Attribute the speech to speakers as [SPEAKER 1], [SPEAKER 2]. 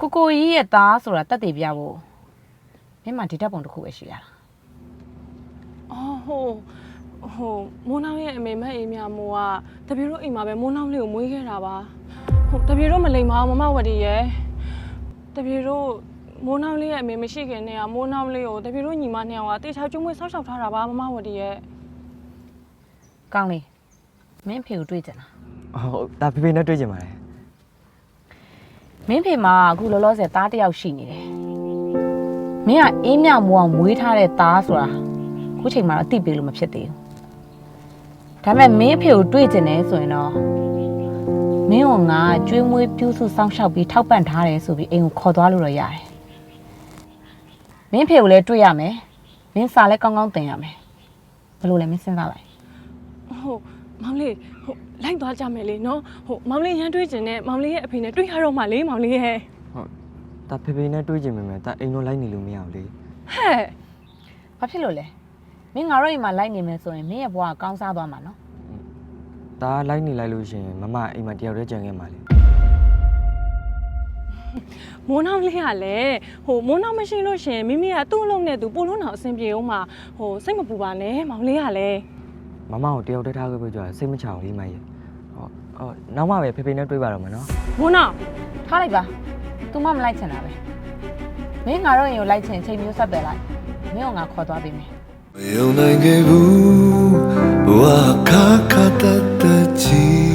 [SPEAKER 1] ကိုကြီးရဲ့သားဆိုတာတက်တည်ပြဖို့မင်းမဒီတက်ပုံတစ်ခုပဲရှိရတာ
[SPEAKER 2] အော်ဟိုမိုးနှောင်းရဲ့အမေမက်အိမ်မြမိုးကတပြေတို့အိမ်မှာပဲမိုးနှောင်းလေးကိုမွေးခဲ့တာပါတပြေတို့မလိမ်ပါဘူးမမဝတီရဲ့တပြေတို့မိုးနှောင်းလေးရဲ့အမေမရှိခင်နဲ့ကမိုးနှောင်းလေးကိုတပြေတို့ညီမနှစ်ယောက်ကတေချာကျွေးမွေးဆောက်ရှောက်ထားတာပါမမဝတီရဲ့
[SPEAKER 1] ကောင်းလေမင်းဖေကိုတွေ့ကြလား
[SPEAKER 3] ဟုတ်ဒါဖေဖေနဲ့တွေ့ကြပါလေ
[SPEAKER 1] မင်းဖေမှာအခုလောလောဆယ်သားတစ်ယောက်ရှိနေတယ်မင်းကအေးမြမိုးအောင်မွေးထားတဲ့သားဆိုတာခုချိန်မှာတော့သိပေးလို့မဖြစ်သေးဘူးဒါပေမဲ့မင်းဖေကိုတွေ့ကြတယ်ဆိုရင်တော့မင်းကငါကျွေးမွေးပြုစုစောင့်ရှောက်ပြီးထောက်ပံ့ထားတယ်ဆိုပြီးအိမ်ကိုခေါ်သွားလို့တော့ရတယ်မင်းဖေကိုလည်းတွေ့ရမယ်မင်းစာလည်းကောင်းကောင်းသင်ရမယ်ဘယ်လိုလဲမင်းစဉ်းစားလိုက်
[SPEAKER 2] မောင်လေးလိုက်သွားကြမယ်လေနော်မောင်လေးရမ်းတွေးကျင်နဲ့မောင်လေးရဲ့အဖေနဲ့တွေ့ရတော့မှလေမောင်လေးရဲ့
[SPEAKER 3] ဟုတ်ဒါဖေဖေနဲ့တွေ့ကြမယ်ဒါအိမ်တော့လိုက်နေလို့မရဘူးလေ
[SPEAKER 2] ဟဲ့
[SPEAKER 1] ဘာဖြစ်လို့လဲမင်းငါတို့အိမ်မှာလိုက်နေမယ်ဆိုရင်မင်းရဲ့ဘဝကကောင်းစားသွားမှာနော်
[SPEAKER 3] ဒါလိုက်နေလိုက်လို့ရှိရင်မမအိမ်မှာတယောက်တည်းကြံခဲ့မှာလေ
[SPEAKER 2] မိုးနှောင်းလေးကလည်းမိုးနှောင်းမရှိလို့ရှင်မိမိကသူ့အလုံးနဲ့သူပို့လုံးအောင်အဆင်ပြေအောင်မှစိတ်မပူပါနဲ့မောင်လေးကလည်း
[SPEAKER 3] မမကိုတယောက်တည်းထားခဲ့ပြီးကြစိတ်မချအောင်လေးမရဲ့ဟုတ်နောက်မှပဲဖေဖေနဲ့တွေ့ပါတော့မယ်နော်
[SPEAKER 2] မိုးနှောင်း
[SPEAKER 1] ထားလိုက်ပါ तू မလိုက်ချင်တာပဲမင်းငါတို့အိမ်ကိုလိုက်ချင်ချိန်မျိုးဆက်ပဲလိုက်မင်းကငါခေါ်သွားပေးမယ်
[SPEAKER 4] 没有那个不，我卡卡的记。